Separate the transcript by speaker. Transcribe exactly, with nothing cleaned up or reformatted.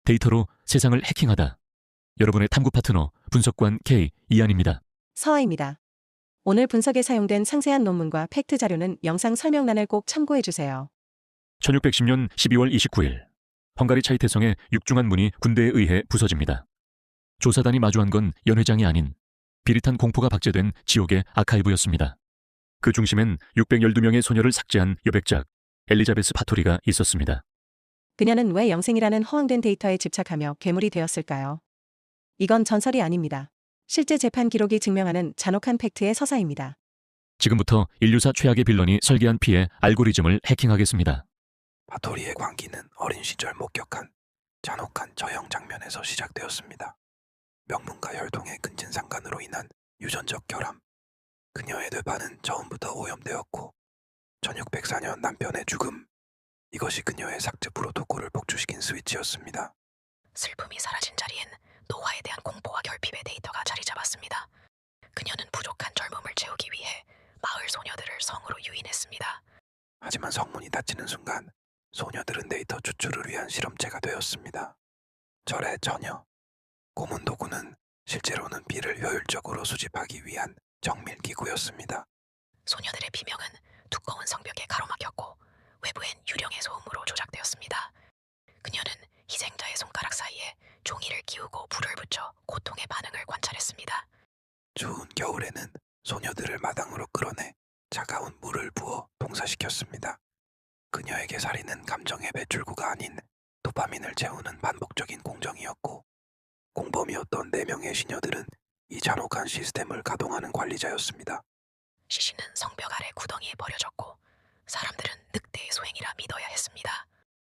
Speaker 1: 데이터로 세상을 해킹하다. 여러분의 탐구 파트너 분석관 K 이한입니다.
Speaker 2: 서아입니다. 오늘 분석에 사용된 상세한 논문과 팩트 자료는 영상 설명란을 꼭 참고해주세요.
Speaker 1: 천육백십 년 십이월 이십구일 헝가리 차이태성의 육중한 문이 군대에 의해 부서집니다. 조사단이 마주한 건 연회장이 아닌 비릿한 공포가 박제된 지옥의 아카이브였습니다. 그 중심엔 육백십이 명의 소녀를 삭제한 여백작 엘리자베스 파토리가 있었습니다.
Speaker 2: 그녀는 왜 영생이라는 허황된 데이터에 집착하며 괴물이 되었을까요? 이건 전설이 아닙니다. 실제 재판 기록이 증명하는 잔혹한 팩트의 서사입니다.
Speaker 1: 지금부터 인류사 최악의 빌런이 설계한 피해 알고리즘을 해킹하겠습니다.
Speaker 3: 파토리의 광기는 어린 시절 목격한 잔혹한 저형 장면에서 시작되었습니다. 명문가 혈통의 근친상간으로 인한 유전적 결함. 그녀의 뇌파는 처음부터 오염되었고 천육백사 년 남편의 죽음. 이것이 그녀의 삭제 프로토콜을 복주시킨 스위치였습니다.
Speaker 4: 슬픔이 사라진 자리엔 노화에 대한 공포와 결핍의 데이터가 자리 잡았습니다. 그녀는 부족한 젊음을 채우기 위해 마을 소녀들을 성으로 유인했습니다.
Speaker 3: 하지만 성문이 닫히는 순간 소녀들은 데이터 추출을 위한 실험체가 되었습니다. 절의 처녀. 고문 도구는 실제로는 비를 효율적으로 수집하기 위한 정밀 기구였습니다.
Speaker 4: 소녀들의 비명은 두꺼운 성벽에 가로막혔고 외부엔 유령의 소음으로 조작되었습니다. 그녀는 희생자의 손가락 사이에 종이를 끼우고 불을 붙여 고통의 반응을 관찰했습니다.
Speaker 3: 추운 겨울에는 소녀들을 마당으로 끌어내 차가운 물을 부어 동사시켰습니다. 그녀에게 살인은 감정의 배출구가 아닌 도파민을 채우는 반복적인 공정이었고 공범이었던 네 명의 시녀들은 이 잔혹한 시스템을 가동하는 관리자였습니다.
Speaker 4: 시신은 성벽 아래 구덩이에 버려졌고 사람들은 늑대의 소행이라 믿어야 했습니다.